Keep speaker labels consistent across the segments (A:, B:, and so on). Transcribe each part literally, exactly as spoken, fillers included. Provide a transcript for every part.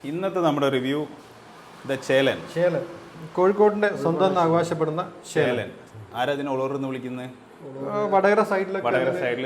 A: ഇന്നത്തെ നമ്മുടെ review the ചേലൻ.
B: ചേലൻ കോഴിക്കോടിന്റെ സ്വന്തം അവകാശപ്പെടുന്ന
A: ചേലൻ. ആരാ ഇതിനെ ഒളൂർ എന്ന് വിളിക്കുന്നത്?
B: വടകര സൈഡിലൊക്കെ
A: വടകര സൈഡിൽ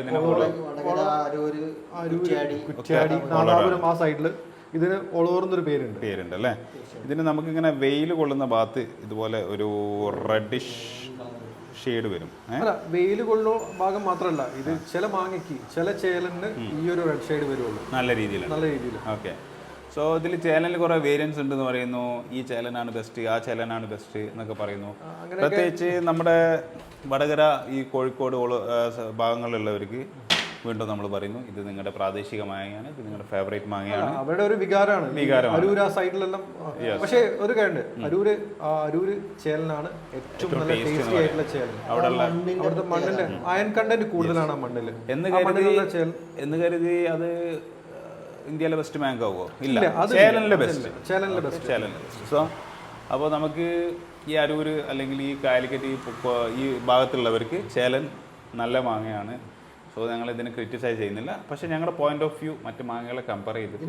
B: കുറ്റ്യാടി നാദാപുരം ആ സൈഡിൽ ഇതിന് ഒളൂർന്നൊരു പേരുണ്ട്
A: പേരുണ്ട് അല്ലേ. ഇതിന് നമുക്കിങ്ങനെ വെയിൽ കൊള്ളുന്ന ഭാഗത്ത് ഇതുപോലെ ഒരു റെഡിഷ് ഷെയ്ഡ് വരും.
B: അല്ല, വെയിൽ കൊള്ളുന്ന ഭാഗം മാത്രമല്ല, ഇത് ചില മാങ്ങയ്ക്ക് ചില ചേലന് ഈ ഒരു റെഡ് ഷെയ്ഡ് വരുള്ളൂ.
A: നല്ല രീതിയിൽ
B: നല്ല രീതിയിൽ
A: ഓക്കെ. സോ ഇതിൽ ചേലനിൽ കുറേ വേരിയൻസ് ഉണ്ടെന്ന് പറയുന്നു. ഈ ചേലനാണ് ബെസ്റ്റ്, ആ ചേലനാണ് ബെസ്റ്റ് എന്നൊക്കെ പറയുന്നു. പ്രത്യേകിച്ച് നമ്മുടെ വടകര ഈ കോഴിക്കോട് ഭാഗങ്ങളിലുള്ളവർക്ക് വീണ്ടും നമ്മൾ പറയുന്നു, ഇത് നിങ്ങളുടെ പ്രാദേശിക മാങ്ങയാണ്, ഇത് നിങ്ങളുടെ ഫേവറേറ്റ് മാങ്ങയാണ്.
B: അവരുടെ ഒരു വികാരമാണ്
A: വികാരമാണ്
B: അരൂർ ആ സൈഡിലെല്ലാം. പക്ഷേ ഒരു കാര്യമുണ്ട്, അരൂര് അരൂര് ചേലനാണ് ഏറ്റവും നല്ല ടേസ്റ്റി ആയിട്ടുള്ള ചേലൻ.
A: അവിടെ
B: അവിടുത്തെ മണ്ണിന്റെ അയൺ കണ്ടന്റ് കൂടുതലാണ് ആ മണ്ണിൽ
A: എന്ന് കരുതി എന്ന് കരുതി അത് ഇന്ത്യയിലെ ബെസ്റ്റ് മാങ്കോ ആവുമോ? ഇല്ല, ചേലനിലെ ബെസ്റ്റ്
B: ചേലനിലെ ബെസ്റ്റ്
A: ചേലനിലെ ബെസ്റ്റ്. സോ അപ്പോൾ നമുക്ക് ഈ അരൂർ അല്ലെങ്കിൽ ഈ കാലിക്കറ്റ് ഈ ഭാഗത്തുള്ളവർക്ക് ചേലൻ നല്ല മാങ്ങയാണ്. സോ ഞങ്ങൾ ഇതിനെ ക്രിറ്റിസൈസ് ചെയ്യുന്നില്ല. പക്ഷേ ഞങ്ങളുടെ പോയിന്റ് ഓഫ് വ്യൂ മറ്റ് മാങ്ങകളെ കമ്പയർ ചെയ്തിട്ട്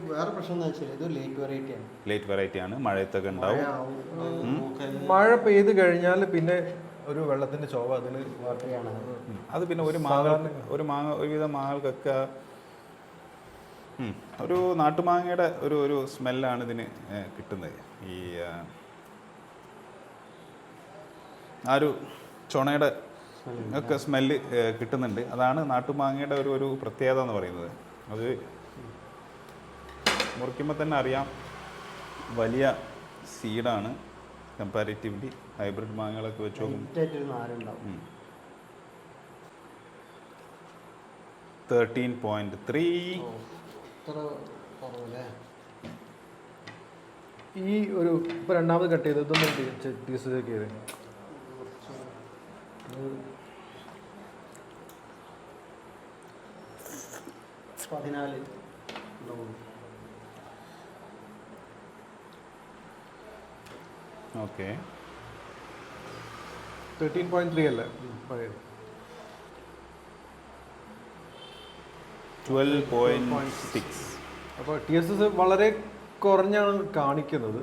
A: ലേറ്റ് വെറൈറ്റി ആണ്. മഴയത്തൊക്കെ ഉണ്ടാവും.
B: മഴ പെയ്ത് കഴിഞ്ഞാൽ പിന്നെ ഒരു വെള്ളത്തിന്റെ ചോവ അതിന്
A: അത് പിന്നെ ഒരു മാങ്ങ ഒരു മാങ്ങ ഒരുവിധം മാങ്ങകൾക്കൊക്കെ ഒരു നാട്ടുമാങ്ങയുടെ ഒരു ഒരു സ്മെല്ലാണ് ഇതിന് കിട്ടുന്നത്. ഈ ആ ഒരു ചുണയുടെ ഒക്കെ സ്മെല്ല് കിട്ടുന്നുണ്ട്. അതാണ് നാട്ടുമാങ്ങയുടെ ഒരു ഒരു പ്രത്യേകത എന്ന് പറയുന്നത്. അത് മുറിക്കുമ്പോൾ തന്നെ അറിയാം, വലിയ സീഡാണ് കമ്പാരിറ്റീവ്ലി ഹൈബ്രിഡ് മാങ്ങകളൊക്കെ വെച്ച് നോക്കും. Thirteen point three.
B: ഈ ഒരു ഇപ്പൊ രണ്ടാമത് കട്ട് ചെയ്ത് ഇതൊന്നും ടീസ് ചെയ്ത്
C: പതിനാല്
A: ഓക്കെ.
B: തേർട്ടീൻ പോയിന്റ് ത്രീ അല്ലേ പഴയത്?
A: Twelve point six.
B: അപ്പോൾ ടി എസ് എസ് വളരെ കുറഞ്ഞാണ് കാണിക്കുന്നത്.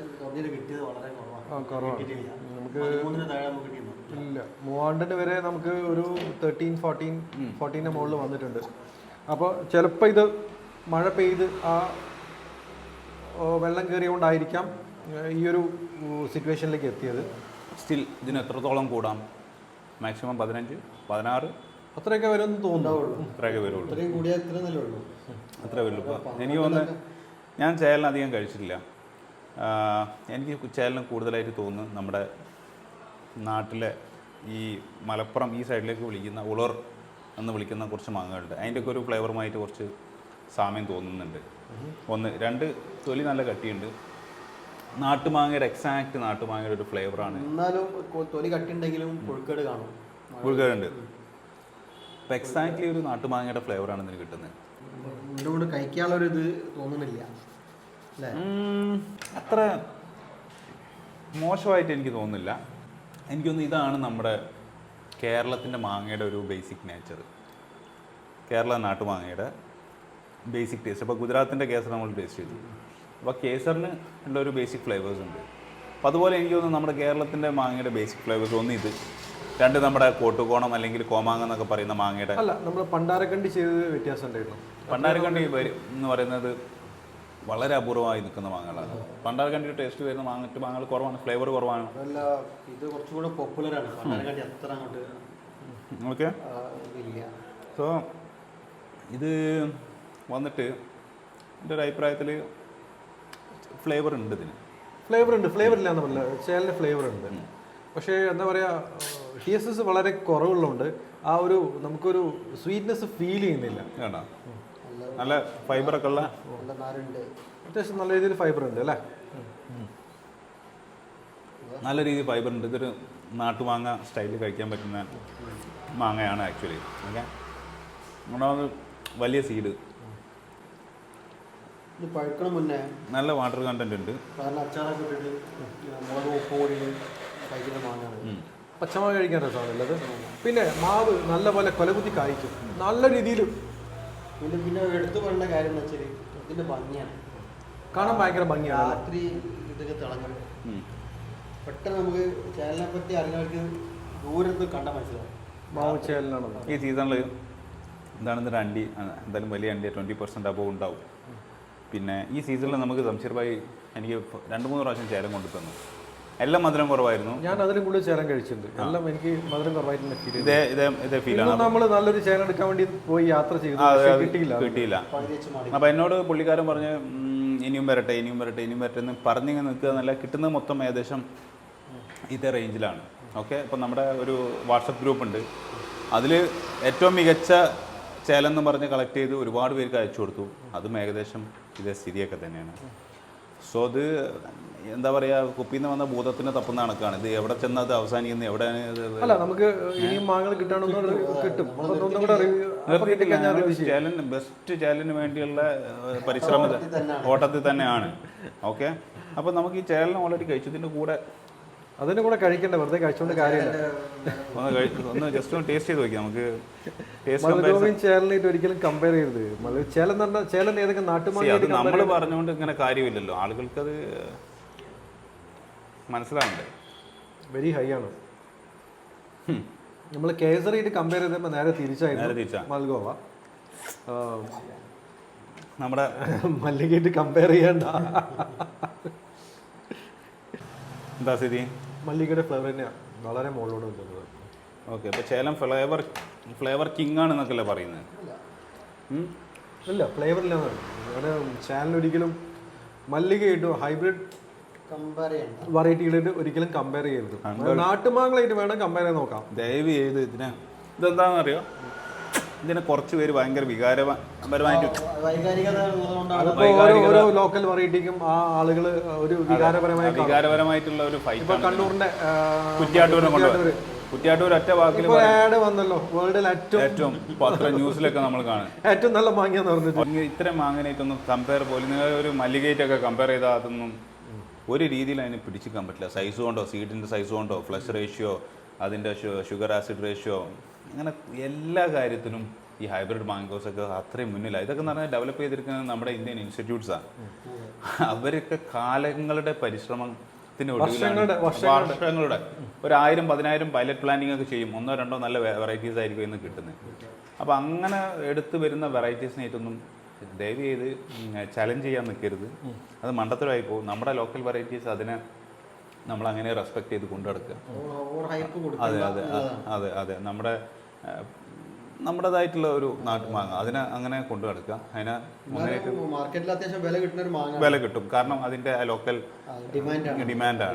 B: കുറവാണ്. നമുക്ക് ഇല്ല, മൂവാണ്ടിന് വരെ നമുക്ക് ഒരു തേർട്ടീൻ ഫോർട്ടീൻ ഫോർട്ടീൻ്റെ മുകളിൽ വന്നിട്ടുണ്ട്. അപ്പോൾ ചിലപ്പോൾ ഇത് മഴ പെയ്ത് ആ വെള്ളം കയറിയോണ്ടായിരിക്കാം ഈ ഒരു സിറ്റുവേഷനിലേക്ക് എത്തിയത്.
A: സ്റ്റിൽ ഇതിന് എത്രത്തോളം കൂടാം? മാക്സിമം പതിനഞ്ച് പതിനാറ്
B: അത്രയൊക്കെ വരുമെന്ന് തോന്നുന്നുള്ളൂ.
A: അത്രയൊക്കെ വരുള്ളൂ. അത്ര വരുള്ളൂ. ഇപ്പോൾ എനിക്ക് തോന്നുന്നു, ഞാൻ ചേലൻ അധികം കഴിച്ചിട്ടില്ല. എനിക്ക് ചേലന് കൂടുതലായിട്ട് തോന്നുന്നു നമ്മുടെ നാട്ടിലെ ഈ മലപ്പുറം ഈ സൈഡിലേക്ക് വിളിക്കുന്ന ഉളർ എന്ന് വിളിക്കുന്ന കുറച്ച് മാങ്ങകളുണ്ട്. അതിൻ്റെയൊക്കെ ഒരു ഫ്ലേവറുമായിട്ട് കുറച്ച് സാമ്യം തോന്നുന്നുണ്ട്. ഒന്ന് രണ്ട് തൊലി നല്ല കട്ടിയുണ്ട്. നാട്ടുമാങ്ങയുടെ എക്സാക്ട് നാട്ടുമാങ്ങയുടെ ഒരു ഫ്ലേവറാണ്.
C: എന്നാലും തൊലി കട്ടിയുണ്ടെങ്കിലും പുഴുക്കേട് കാണും.
A: പുഴുക്കേടുണ്ട്. അപ്പോൾ എക്സാക്ട്ലി ഒരു നാട്ടുമാങ്ങയുടെ ഫ്ലേവറാണ് ഇതിന് കിട്ടുന്നത്.
C: ഇതുകൊണ്ട് കഴിക്കാനുള്ളൊരു ഇത് തോന്നുന്നില്ല അല്ലേ?
A: അത്ര മോശമായിട്ട് എനിക്ക് തോന്നുന്നില്ല. എനിക്കൊന്ന് ഇതാണ് നമ്മുടെ കേരളത്തിൻ്റെ മാങ്ങയുടെ ഒരു ബേസിക് നേച്ചർ. കേരള നാട്ടുമാങ്ങയുടെ ബേസിക് ടേസ്റ്റ്. അപ്പോൾ ഗുജറാത്തിൻ്റെ കേസർ നമ്മൾ ടേസ്റ്റ് ചെയ്തു. അപ്പോൾ കേസറിന് ഉള്ള ഒരു ബേസിക് ഫ്ലേവേഴ്സ് ഉണ്ട്. അപ്പോൾ അതുപോലെ എനിക്ക് തോന്നുന്നു നമ്മുടെ കേരളത്തിൻ്റെ മാങ്ങയുടെ ബേസിക് ഫ്ലേവേഴ്സ് ഒന്ന് ഇത്, രണ്ട് നമ്മുടെ കോട്ടുകോണം അല്ലെങ്കിൽ കോമാങ്ങ എന്നൊക്കെ പറയുന്ന മാങ്ങയുടെ
B: അല്ല, നമ്മൾ പണ്ടാരക്കണ്ടി ചെയ്തത് വ്യത്യാസം ഉണ്ടായിരുന്നു.
A: പണ്ടാരക്കണ്ടി എന്ന് പറയുന്നത് വളരെ അപൂർവമായി നിൽക്കുന്ന മാങ്ങകളാണ്. പണ്ടാരക്കണ്ടിയുടെ ടേസ്റ്റ് വരുന്ന മാങ്ങ മാങ്ങകൾ കുറവാണ്, ഫ്ലേവർ കുറവാണ്.
C: ഇത് കുറച്ചുകൂടെ പോപ്പുലറാണ്. പണ്ടാരക്കണ്ടി അത്ര അങ്ങോട്ട്
A: ഓക്കെ.
C: ഇല്ല.
A: സോ ഇത് വന്നിട്ട് എൻ്റെ ഒരു അഭിപ്രായത്തിൽ ഫ്ലേവർ ഉണ്ട് ഇതിന്.
B: ഫ്ലേവർ ഉണ്ട്, ഫ്ലേവർ ഇല്ല എന്ന് പറഞ്ഞില്ല, ചേലിന് ഫ്ലേവർ ഉണ്ട്. പക്ഷേ എന്താ പറയുക, ടി എസ് എസ് വളരെ കുറവുള്ളതുകൊണ്ട് ആ ഒരു നമുക്കൊരു സ്വീറ്റ്നെസ് ഫീൽ ചെയ്യുന്നില്ല.
A: വേണ്ട, നല്ല ഫൈബറൊക്കെ ഉള്ള
B: അത്യാവശ്യം നല്ല രീതിയിൽ ഫൈബർ ഉണ്ട് അല്ലേ?
A: നല്ല രീതിയിൽ ഫൈബർ ഉണ്ട്. ഇതൊരു നാട്ടുമാങ്ങ സ്റ്റൈലിൽ കഴിക്കാൻ പറ്റുന്ന മാങ്ങയാണ് ആക്ച്വലി. ഓക്കെ. ഒന്നാമത് വലിയ സീഡ്,
C: പഴുക്കണ മുന്നേ
A: നല്ല വാട്ടർ കണ്ടന്റ് ഉണ്ട്.
C: അച്ചാറൊക്കെ ഇട്ടിട്ട് മുളക് ഉപ്പ് കൂടി കഴിക്കുന്ന മാങ്ങയാണ്.
B: പച്ചമാങ്ങ കഴിക്കാൻ രസമാണല്ലോ അത്. പിന്നെ മാവ് നല്ല പോലെ കൊലകുത്തി കായ്ക്കും നല്ല രീതിയിൽ.
C: പിന്നെ പിന്നെ എടുത്തു പറയേണ്ട കാര്യം എന്ന് വെച്ചാൽ ഇതിൻ്റെ ഭംഗിയാണ്.
B: കാണാൻ ഭയങ്കര ഭംഗിയാണ്.
C: രാത്രി ഇതൊക്കെ തിളങ്ങും. പെട്ടെന്ന് നമുക്ക് ചേലിനെ പറ്റി അറിയുന്നവർക്ക് ദൂരത്ത് കണ്ടാൽ മനസ്സിലാവും.
B: മാവ് ചേലനാണ്
A: ഈ സീസണിൽ എന്താണെന്നൊരു അണ്ടി എന്തായാലും വലിയ അണ്ടി ട്വൻറ്റി പെർസെൻറ്റ് അബവ് ഉണ്ടാവും. പിന്നെ ഈ സീസണിൽ നമുക്ക് സംശീർ ഭായി എനിക്ക് രണ്ട് മൂന്ന് പ്രാവശ്യം ചേലം കൊണ്ടു തന്നു. എല്ലാം മധുരം കുറവായിരുന്നു.
B: ഞാൻ അതിലും കൂടുതൽ ചേലം കഴിച്ചിട്ടുണ്ട്. എല്ലാം എനിക്ക് മധുരം കുറവായിട്ട് ഫീൽ
A: ഇതേ ഇതേ ഇതേ ഫീലാണ്.
B: നമ്മൾ നല്ലൊരു ചേലം എടുക്കാൻ വേണ്ടി പോയി യാത്ര ചെയ്തു, കിട്ടിയില്ല
A: കിട്ടിയില്ല അപ്പം എന്നോട് പുള്ളിക്കാരൻ പറഞ്ഞ് ഇനിയും വരട്ടെ ഇനിയും വരട്ടെ ഇനിയും വരട്ടെ എന്ന് പറഞ്ഞിങ്ങനെ നിൽക്കുക എന്നല്ല, കിട്ടുന്നത് മൊത്തം ഏകദേശം ഇതേ റേഞ്ചിലാണ്. ഓക്കെ, അപ്പം നമ്മുടെ ഒരു വാട്സപ്പ് ഗ്രൂപ്പ് ഉണ്ട്. അതിൽ ഏറ്റവും മികച്ച ചേലെന്ന് പറഞ്ഞ് കളക്ട് ചെയ്ത് ഒരുപാട് പേർക്ക് അയച്ചു കൊടുത്തു. അതും ഏകദേശം ഇതേ സ്ഥിതിയൊക്കെ തന്നെയാണ്. സോ അത് എന്താ പറയുക, കുപ്പിന്ന് വന്ന ഭൂതത്തിന് തപ്പുന്ന കണക്കാണ്. ഇത് എവിടെ ചെന്നാൽ അത് അവസാനിക്കുന്നത് എവിടെയാണ്.
B: അല്ല, നമുക്ക് ഇനിയും മാങ്ങകൾ കിട്ടാണെന്ന് കിട്ടും.
A: ചേലന് ബെസ്റ്റ് ചേലന് വേണ്ടിയുള്ള പരിശ്രമ ഓട്ടത്തിൽ തന്നെയാണ്. ഓക്കെ, അപ്പോൾ നമുക്ക് ഈ ചേലന് ഓൾറെഡി കഴിച്ചതിൻ്റെ കൂടെ
B: അതിൻ്റെ കൂടെ കഴിക്കണ്ട, വെറുതെ കഴിച്ചുകൊണ്ട് കാര്യമില്ല.
A: ഒന്ന് കഴിച്ചു ഒന്ന് ജസ്റ്റ് ഒന്ന് ടേസ്റ്റ് ചെയ്ത് നോക്കിയാൽ നമുക്ക്.
B: മലഗോവിയും ചേലനായിട്ട് ഒരിക്കലും കമ്പയർ ചെയ്യരുത്. ചേലൻ എന്ന് പറഞ്ഞാൽ ചേലൻ ഏതൊക്കെ നാട്ടുമാങ്ങ
A: നമ്മൾ പറഞ്ഞുകൊണ്ട് ഇങ്ങനെ കാര്യമില്ലല്ലോ, ആളുകൾക്കത് മനസ്സിലാവണ്ടേ.
B: വെരി ഹൈ ആണ്. നമ്മൾ കേസറിയിട്ട് കമ്പയർ ചെയ്തപ്പോൾ നേരെ തിരിച്ചായിരുന്നു മൽഗോവ.
A: നമ്മുടെ
B: മല്ലികയായിട്ട് കമ്പയർ ചെയ്യണ്ട.
A: എന്താ സ്ഥിതി?
B: മല്ലികയുടെ ഫ്ലേവർ തന്നെയാണ് വളരെ മുകളിലോട്ട് നിൽക്കുന്നത്.
A: ഓക്കെ, അപ്പോൾ ചേലം ഫ്ലേവർ ഫ്ലേവർ കിങ് ആണ് എന്നൊക്കെയല്ലേ പറയുന്നത്?
B: ഇല്ല, ഫ്ലേവർ ഇല്ലാന്നാണ്. അങ്ങനെ ചേലൻ ഒരിക്കലും മല്ലികയായിട്ടും ഹൈബ്രിഡ് വെറൈറ്റികളായിട്ട് ഒരിക്കലും കമ്പയർ ചെയ്യരുത്. നാട്ടുമാങ്ങളായിട്ട് വേണം കമ്പയർ ചെയ്ത് നോക്കാം.
A: ദയവ് ചെയ്ത് ഇതിനെ ഇതെന്താണെന്ന് അറിയോ, ഇതിനെ കുറച്ച് പേര് ഭയങ്കര വികാരപരമായിട്ട്
B: ഓരോ ലോക്കൽ വെറൈറ്റിക്കും ആ ആളുകൾ ഒരു വികാരപരമായ
A: വികാരപരമായിട്ടുള്ള ഒരു ഫൈറ്റ്.
B: ഇപ്പൊ കണ്ണൂരിന്റെ
A: കുറ്റ്യാട്ടൂരിനെ കൊണ്ടുപോയി കുറ്റ്യാട്ടൂർ ഒറ്റ വാക്കിൽ
B: ആഡ് വന്നല്ലോ, വേൾഡിൽ ഏറ്റവും
A: ഏറ്റവും പത്ര ന്യൂസിലൊക്കെ നമ്മൾ കാണും
B: ഏറ്റവും നല്ല മാങ്ങയെന്ന് പറഞ്ഞിട്ട്.
A: ഇത്തരം മാങ്ങനായിട്ടൊന്നും കമ്പയർ പോലും നിങ്ങൾ ഒരു മല്ലികയായിട്ടൊക്കെ കമ്പയർ ചെയ്താൽ അതൊന്നും ഒരു രീതിയിൽ അതിനെ പിടിച്ചിക്കാൻ പറ്റില്ല. സൈസ് കൊണ്ടോ, സീഡിൻ്റെ സൈസ് കൊണ്ടോ, ഫ്ലഷ് റേഷ്യോ, അതിൻ്റെ ഷുഗർ ആസിഡ് റേഷ്യോ, അങ്ങനെ എല്ലാ കാര്യത്തിലും ഈ ഹൈബ്രിഡ് മാംഗോസ് ഒക്കെ അത്രയും മുന്നിലാണ്. ഇതൊക്കെ എന്ന് പറഞ്ഞാൽ ഡെവലപ്പ് ചെയ്തിരിക്കുന്നത് നമ്മുടെ ഇന്ത്യൻ ഇൻസ്റ്റിറ്റ്യൂട്ട്സാണ്. അവരൊക്കെ കാലങ്ങളുടെ പരിശ്രമത്തിന് ഒടുവിലാണ് വർഷങ്ങളുടെ ഒരു ആയിരം പതിനായിരം പൈലറ്റ് പ്ലാനിങ് ഒക്കെ ചെയ്യും. ഒന്നോ രണ്ടോ നല്ല വെറൈറ്റീസ് ആയിരിക്കും ഇന്ന് കിട്ടുന്നത്. അപ്പോൾ അങ്ങനെ എടുത്തു വരുന്ന വെറൈറ്റീസിനായിട്ടൊന്നും ദയവ് ചെയ്ത് ചലഞ്ച് ചെയ്യാൻ നിൽക്കരുത്. അത് മണ്ടത്തരമായി പോകും. നമ്മുടെ ലോക്കൽ വെറൈറ്റീസ് അതിനെ നമ്മൾ അങ്ങനെ റെസ്പെക്ട് ചെയ്ത് കൊണ്ടു നടക്കുക. അതെ അതെ അതെ അതെ നമ്മുടെ നമ്മുടേതായിട്ടുള്ള ഒരു നാട്ടുമാങ്ങ അതിനെ അങ്ങനെ കൊണ്ടു നടക്കുക. അതിനെ
C: മാർക്കറ്റിൽ അത്യാവശ്യം വില കിട്ടുന്ന ഒരു മാങ്ങ
A: വില കിട്ടും. കാരണം അതിൻ്റെ ലോക്കൽ ഡിമാൻഡാണ്.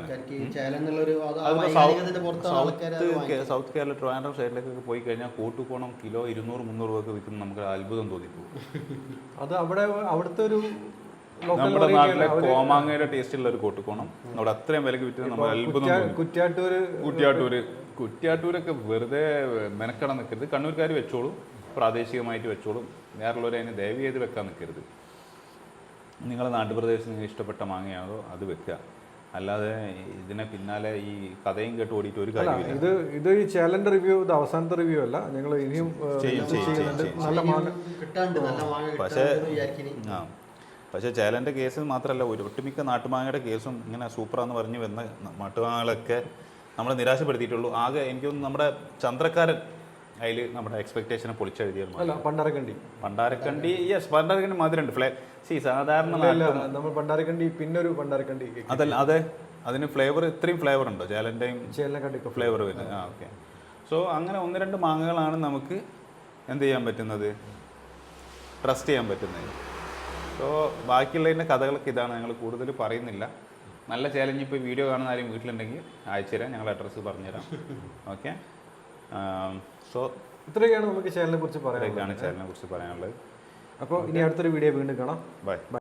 A: സൗത്ത് കേരള ട്രിവാൻഡ്രം സൈഡിലേക്കൊക്കെ പോയി കഴിഞ്ഞാൽ കൂട്ടുകോണം കിലോ ഇരുന്നൂറ് മുന്നൂറ് രൂപ വിൽക്കുന്ന നമുക്ക് അത്ഭുതം തോന്നിപ്പോകും.
B: അത് അവിടെ അവിടുത്തെ ഒരു
A: നമ്മുടെ നാട്ടിലെ കോമാങ്ങയുടെ ടേസ്റ്റുള്ള ഒരു കോട്ടുകോണം അവിടെ അത്രയും വിലക്ക് വിറ്റ് നമ്മൾ അത്ഭുതം.
B: കുറ്റ്യാട്ടൂര്
A: കുറ്റ്യാട്ടൂര് കുറ്റ്യാട്ടൂരൊക്കെ വെറുതെ മെനക്കെടാൻ നിൽക്കരുത്. കണ്ണൂർക്കാർ വെച്ചോളും, പ്രാദേശികമായിട്ട് വെച്ചോളും. വേറുള്ളവർ അതിന് ദയവ് ചെയ്ത് വെക്കാൻ നിൽക്കരുത്. നിങ്ങളുടെ നാട്ടുപ്രദേശത്ത് നിങ്ങൾക്ക് ഇഷ്ടപ്പെട്ട മാങ്ങയാണോ അത് വെക്കുക. അല്ലാതെ ഇതിനെ പിന്നാലെ ഈ കഥയും കേട്ട് ഓടിയിട്ട് ഒരു കാര്യമില്ല.
B: ഇത് ഇത് ഈ ചാലഞ്ച് റിവ്യൂ ഇത് അവസാനത്തെ റിവ്യൂ അല്ല, ഞങ്ങൾ ഇനിയും നല്ല മാങ്ങ
A: പക്ഷേ ആ പക്ഷേ ചേലൻ്റെ കേസ് മാത്രമല്ല, ഒരു ഒട്ടുമിക്ക നാട്ടുമാങ്ങയുടെ കേസും ഇങ്ങനെ സൂപ്പറാന്ന് പറഞ്ഞ് വന്ന നാട്ടുമാങ്ങകളൊക്കെ നമ്മൾ നിരാശപ്പെടുത്തിയിട്ടുള്ളൂ. ആകെ എനിക്കൊന്ന് നമ്മുടെ ചന്ദ്രക്കാരൻ അതിൽ നമ്മുടെ എക്സ്പെക്ടേഷനെ പൊളിച്ചെഴുതിയാണ്.
B: പണ്ടാരക്കണ്ടി
A: പണ്ടാരക്കണ്ടി യെസ് പണ്ടാരക്കണ്ടി മധുരമുണ്ട്. ഫ്ലേ സി സാധാരണ
B: നമ്മൾ പണ്ടാരക്കണ്ടി പിന്നെ ഒരു പണ്ടാരക്കണ്ടി
A: അതല്ല അതെ അതിന് ഫ്ലേവർ ഇത്രയും ഫ്ലേവർ ഉണ്ടോ ചേലൻ്റെയും
B: ചേലനെക്കണ്ടി
A: ഫ്ലേവർ വരുന്നത്? ആ ഓക്കെ. സോ അങ്ങനെ ഒന്ന് രണ്ട് മാങ്ങകളാണ് നമുക്ക് എന്ത് ചെയ്യാൻ പറ്റുന്നത്, ട്രസ്റ്റ് ചെയ്യാൻ പറ്റുന്നത്. സോ ബാക്കിയുള്ളതിൻ്റെ കഥകളൊക്കെ ഇതാണ്, ഞങ്ങൾ കൂടുതൽ പറയുന്നില്ല. നല്ല ചാലഞ്ച് ഇപ്പോൾ വീഡിയോ കാണുന്ന ആരും വീട്ടിലുണ്ടെങ്കിൽ അയച്ചുതരാം, ഞങ്ങൾ അഡ്രസ്സ് പറഞ്ഞുതരാം. ഓക്കെ. സോ
B: ഇത്രയൊക്കെയാണ് നമുക്ക് ചാനലിനെ കുറിച്ച് പറയാൻ
A: ചാനലിനെ കുറിച്ച് പറയാനുള്ളത്.
B: അപ്പോൾ ഇനി അടുത്തൊരു വീഡിയോ വീണ്ടും കാണാം.
A: ബൈ.